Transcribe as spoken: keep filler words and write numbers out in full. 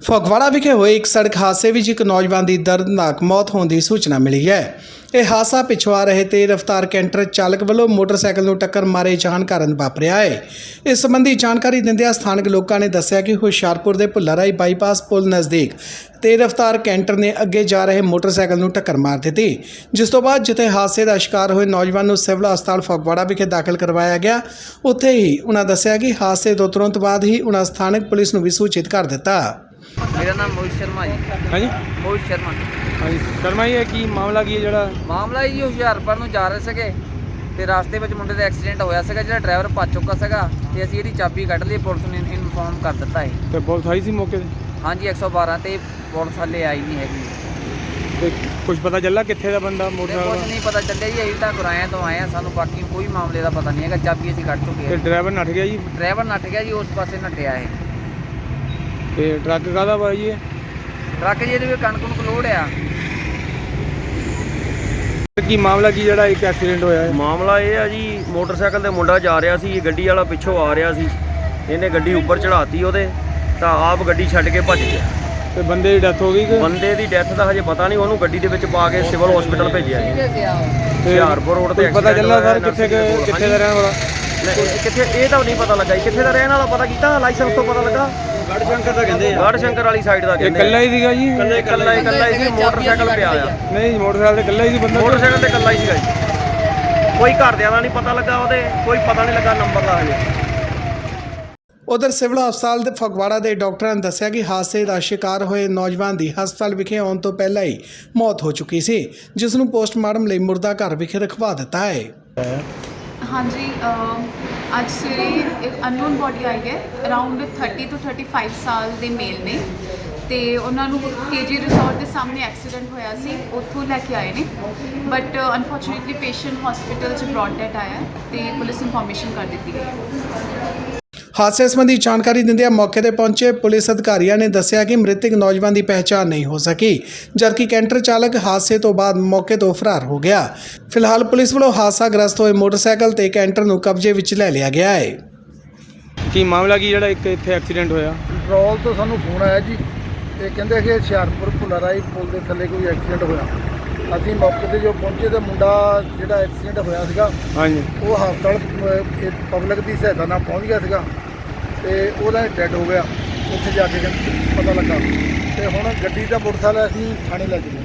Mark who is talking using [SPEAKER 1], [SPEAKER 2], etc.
[SPEAKER 1] ਫਗਵਾੜਾ ਵਿਖੇ ਹੋਏ ਇੱਕ ਸੜਕ ਹਾਦਸੇ ਵਿੱਚ ਇੱਕ ਨੌਜਵਾਨ ਦੀ ਦਰਦਨਾਕ ਮੌਤ ਹੋਣ ਦੀ ਸੂਚਨਾ ਮਿਲੀ ਹੈ। ਇਹ ਹਾਦਸਾ ਪਿੱਛੋਂ ਆ ਰਹੇ ਤੇਜ਼ ਰਫ਼ਤਾਰ ਕੈਂਟਰ ਚਾਲਕ ਵੱਲੋਂ ਮੋਟਰਸਾਈਕਲ ਨੂੰ ਟੱਕਰ ਮਾਰੇ ਜਾਣ ਕਾਰਨ ਵਾਪਰਿਆ ਹੈ। ਇਸ ਸੰਬੰਧੀ ਜਾਣਕਾਰੀ ਦਿੰਦਿਆਂ ਸਥਾਨਕ ਲੋਕਾਂ ਨੇ ਦੱਸਿਆ ਕਿ ਹੁਸ਼ਿਆਰਪੁਰ ਦੇ ਭੁੱਲਾਰਾਈ ਬਾਈਪਾਸ ਪੁਲ ਨਜ਼ਦੀਕ ਤੇਜ਼ ਰਫ਼ਤਾਰ ਕੈਂਟਰ ਨੇ ਅੱਗੇ ਜਾ ਰਹੇ ਮੋਟਰਸਾਈਕਲ ਨੂੰ ਟੱਕਰ ਮਾਰ ਦਿੱਤੀ, ਜਿਸ ਤੋਂ ਬਾਅਦ ਜਿੱਥੇ ਹਾਦਸੇ ਦਾ ਸ਼ਿਕਾਰ ਹੋਏ ਨੌਜਵਾਨ ਨੂੰ ਸਿਵਲ ਹਸਪਤਾਲ ਫਗਵਾੜਾ ਵਿਖੇ ਦਾਖਲ ਕਰਵਾਇਆ ਗਿਆ। ਉੱਥੇ ਹੀ ਉਹਨਾਂ ਦੱਸਿਆ ਕਿ ਹਾਦਸੇ ਤੋਂ ਤੁਰੰਤ ਬਾਅਦ ਹੀ ਉਹਨਾਂ ਸਥਾਨਕ ਪੁਲਿਸ ਨੂੰ ਵੀ ਸੂਚਿਤ ਕਰ ਦਿੱਤਾ।
[SPEAKER 2] मेरा नाम मोहित शर्मा जी।
[SPEAKER 3] हाँ जी
[SPEAKER 2] मोहित शर्मा
[SPEAKER 3] हाँ जी शर्मा जी की मामला की है जो
[SPEAKER 2] ਮਾਮਲਾ ਜੀ ਹੁਸ਼ਿਆਰਪੁਰ ਨੂੰ ਜਾ ਰਹੇ ਸੀਗੇ ਤੇ ਰਾਸਤੇ ਵਿੱਚ ਮੁੰਡੇ ਦਾ ਐਕਸੀਡੈਂਟ ਹੋਇਆ ਸੀਗਾ। ਜਿਹੜਾ ਡਰਾਈਵਰ ਭੱਜ ਚੁੱਕਾ ਸੀਗਾ ਤੇ ਅਸੀਂ ਇਹਦੀ ਚਾਬੀ ਕੱਢ ਲਈ, ਪੁਲਿਸ ਨੇ ਇਨਫੋਰਮ ਕਰ ਦਿੱਤਾ ਹੈ।
[SPEAKER 3] ਤੇ ਪੁਲਿਸ ਆਈ ਸੀ ਮੌਕੇ ਤੇ?
[SPEAKER 2] ਹਾਂਜੀ ਇੱਕ ਸੌ ਬਾਰਾਂ ਤੇ ਪੁਲਿਸ ਹਾਲੇ ਆਈ ਨਹੀਂ ਹੈਗੀ।
[SPEAKER 3] ਤੇ ਕੁਝ ਪਤਾ ਚੱਲਾ ਕਿੱਥੇ ਦਾ ਬੰਦਾ
[SPEAKER 2] ਕੁਝ
[SPEAKER 3] ਮੋਟਰਸਾਈਕਲ?
[SPEAKER 2] ਨਹੀਂ ਪਤਾ ਚੱਲਿਆ ਜੀ, ਅਸੀਂ ਤਾਂ ਗੁਰਾਇਆਂ ਤੋਂ ਆਏ ਆ, ਸਾਨੂੰ ਬਾਕੀ ਕੋਈ ਮਾਮਲੇ ਦਾ ਪਤਾ ਨਹੀਂ ਹੈਗਾ। ਚਾਬੀ ਅਸੀਂ ਕੱਢ ਚੁੱਕੇ
[SPEAKER 3] ਤੇ
[SPEAKER 2] ਹਾਂ।
[SPEAKER 3] ਡਰਾਈਵਰ ਨੱਠ ਗਿਆ ਜੀ?
[SPEAKER 2] ਡਰਾਈਵਰ ਨੱਠ ਗਿਆ ਜੀ, ਉਸ ਪਾਸੇ ਨੱਠਿਆ ਹੈ।
[SPEAKER 3] ਤੇ ਟਰੱਕ ਕਾਹਦਾ ਵਾ ਜੀ?
[SPEAKER 2] ਟਰੱਕ ਜਿਹਦੇ ਵਿੱਚ ਕਣਕ ਨੂੰ ਲੋਡ ਆ।
[SPEAKER 3] ਕੀ ਮਾਮਲਾ ਕੀ ਜਿਹੜਾ ਇੱਕ ਐਕਸੀਡੈਂਟ ਹੋਇਆ ਹੈ?
[SPEAKER 4] ਮਾਮਲਾ ਇਹ ਆ ਜੀ, ਮੋਟਰਸਾਈਕਲ ਤੇ ਮੁੰਡਾ ਜਾ ਰਿਹਾ ਸੀ, ਗੱਡੀ ਵਾਲਾ ਪਿੱਛੋਂ ਆ ਰਿਹਾ ਸੀ, ਇਹਨੇ ਗੱਡੀ ਉੱਪਰ ਚੜਾਤੀ ਉਹਦੇ, ਤਾਂ ਆਪ ਗੱਡੀ ਛੱਡ ਕੇ ਭੱਜ ਗਿਆ।
[SPEAKER 3] ਤੇ ਬੰਦੇ ਦੀ ਡੈਥ ਹੋ ਗਈ ਕਿ?
[SPEAKER 4] ਬੰਦੇ ਦੀ ਡੈਥ ਦਾ ਹਜੇ ਪਤਾ ਨਹੀਂ, ਉਹਨੂੰ ਗੱਡੀ ਦੇ ਵਿੱਚ ਪਾ ਕੇ ਸਿਵਲ ਹਸਪੀਟਲ ਭੇਜਿਆ ਜੀ। ਹੁਸ਼ਿਆਰਪੁਰ ਰੋਡ ਤੇ
[SPEAKER 3] ਪਤਾ ਚੱਲਾ ਸਰ ਕਿੱਥੇ ਕਿੱਥੇ ਦਾ ਰਹਿਣ ਵਾਲਾ?
[SPEAKER 4] ਕਿੱਥੇ ਇਹ ਤਾਂ ਨਹੀਂ ਪਤਾ ਲੱਗਾ ਜੀ, ਕਿੱਥੇ ਦਾ ਰਹਿਣ ਵਾਲਾ ਪਤਾ ਕੀਤਾ, ਲਾਇਸੈਂਸ ਤੋਂ ਪਤਾ ਲੱਗਾ। ਗੜ ਸ਼ੰਕਰ ਦਾ ਕਹਿੰਦੇ ਆ, ਗੜ ਸ਼ੰਕਰ ਵਾਲੀ ਸਾਈਡ ਦਾ ਕਹਿੰਦੇ।
[SPEAKER 3] ਇਕੱਲਾ ਹੀ ਸੀਗਾ ਜੀ?
[SPEAKER 4] ਇਕੱਲਾ ਇਕੱਲਾ ਇਕੱਲਾ ਹੀ ਸੀ, ਮੋਟਰਸਾਈਕਲ ਪਿਆ ਆ।
[SPEAKER 3] ਨਹੀਂ ਮੋਟਰਸਾਈਕਲ ਤੇ ਇਕੱਲਾ ਹੀ ਸੀ ਬੰਦਾ?
[SPEAKER 4] ਮੋਟਰਸਾਈਕਲ ਤੇ ਇਕੱਲਾ ਹੀ ਸੀਗਾ ਜੀ, ਕੋਈ ਘਰਦਿਆਂ ਦਾ ਨਹੀਂ ਪਤਾ ਲੱਗਾ, ਉਹਦੇ ਕੋਈ ਪਤਾ ਨਹੀਂ ਲੱਗਾ ਨੰਬਰ ਦਾ ਹਜੇ।
[SPEAKER 1] ਉਧਰ ਸਿਵਲ ਹਸਪਤਾਲ ਦੇ ਫਗਵਾੜਾ ਦੇ ਡਾਕਟਰਾਂ ਨੇ ਦੱਸਿਆ ਕਿ ਹਾਦਸੇ ਦਾ ਸ਼ਿਕਾਰ ਹੋਏ ਨੌਜਵਾਨ ਦੀ ਹਸਪਤਾਲ ਵਿਖੇ ਆਉਣ ਤੋਂ ਪਹਿਲਾਂ ਹੀ ਮੌਤ ਹੋ ਚੁੱਕੀ ਸੀ, ਜਿਸ ਨੂੰ ਪੋਸਟਮਾਰਟਮ ਲਈ ਮੁਰਦਾ ਘਰ ਵਿਖੇ ਰਖਵਾ ਦਿੱਤਾ ਹੈ।
[SPEAKER 5] ਹਾਂਜੀ ਅੱਜ ਸਵੇਰੇ ਇੱਕ ਅਨਨੋਨ ਬੋਡੀ ਆਈ ਹੈ, ਅਰਾਊਂਡ ਥਰਟੀ ਤੋਂ ਥਰਟੀ ਫਾਈਵ ਸਾਲ ਦੇ ਮੇਲ ਨੇ, ਤੇ ਉਹਨਾਂ ਨੂੰ ਕੇਜੀ ਰਿਸੋਰਟ ਦੇ ਸਾਹਮਣੇ ਐਕਸੀਡੈਂਟ ਹੋਇਆ ਸੀ, ਉੱਥੋਂ ਲੈ ਕੇ ਆਏ ਨੇ। ਬਟ ਅਨਫੋਰਚੂਨੇਟਲੀ ਪੇਸ਼ੈਂਟ ਹਸਪੀਟਲ 'ਚ ਬ੍ਰੌਡ ਡੈਥ ਆਇਆ ਤੇ ਪੁਲਿਸ ਇਨਫੋਰਮੇਸ਼ਨ ਕਰ ਦਿੱਤੀ ਗਈ।
[SPEAKER 1] ਹਾਦਸੇ ਸੰਬੰਧੀ ਜਾਣਕਾਰੀ ਦਿੰਦਿਆਂ ਮੌਕੇ ਤੇ ਪਹੁੰਚੇ ਪੁਲਿਸ ਅਧਿਕਾਰੀਆਂ ਨੇ ਦੱਸਿਆ ਕਿ ਮ੍ਰਿਤਕ ਨੌਜਵਾਨ ਦੀ ਪਹਿਚਾਣ ਨਹੀਂ ਹੋ ਸਕੀ, ਜਦਕਿ ਕੈਂਟਰ ਚਾਲਕ ਹਾਦਸੇ ਤੋਂ ਬਾਅਦ ਮੌਕੇ ਤੋਂ ਫਰਾਰ ਹੋ ਗਿਆ। ਫਿਲਹਾਲ ਪੁਲਿਸ ਵੱਲੋਂ ਹਾਦਸਾਗ੍ਰਸਤ ਹੋਏ ਮੋਟਰਸਾਈਕਲ ਤੇ ਕੈਂਟਰ ਨੂੰ ਕਬਜ਼ੇ ਵਿੱਚ ਲੈ ਲਿਆ ਗਿਆ ਹੈ।
[SPEAKER 3] ਕੀ ਮਾਮਲਾ ਕੀ ਜਿਹੜਾ ਇੱਕ ਇੱਥੇ ਐਕਸੀਡੈਂਟ ਹੋਇਆ?
[SPEAKER 6] ਕੰਟਰੋਲ ਤੋਂ ਸਾਨੂੰ ਫੋਨ ਆਇਆ ਜੀ, ਇਹ ਕਹਿੰਦੇ ਕਿ ਹੁਸ਼ਿਆਰਪੁਰ ਭੁੱਲਾਰਾਈ ਪੁਲ ਦੇ ਥੱਲੇ ਕੋਈ ਐਕਸੀਡੈਂਟ ਹੋਇਆ। ਅਸੀਂ ਮੌਕੇ ਤੇ ਜੋ ਪਹੁੰਚੇ ਤਾਂ ਮੁੰਡਾ ਜਿਹੜਾ ਐਕਸੀਡੈਂਟ ਹੋਇਆ ਸੀਗਾ, ਹਾਂਜੀ, ਉਹ ਹਸਪਤਾਲ ਪਬਲਿਕ ਦੀ ਸਹਾਇਤਾ ਨਾਲ ਪਹੁੰਚ ਗਿਆ ਸੀਗਾ ਤੇ ਉਹਦਾ ਡੈਡ ਹੋ ਗਿਆ। ਉੱਥੇ ਜਾ ਕੇ ਪਤਾ ਲੱਗਾ ਤੇ ਹੁਣ ਗੱਡੀ ਦਾ ਮੋਟਰਸਾਈਕਲ ਅਸੀਂ ਥਾਣੇ ਲੈ ਕੇ ਗਏ।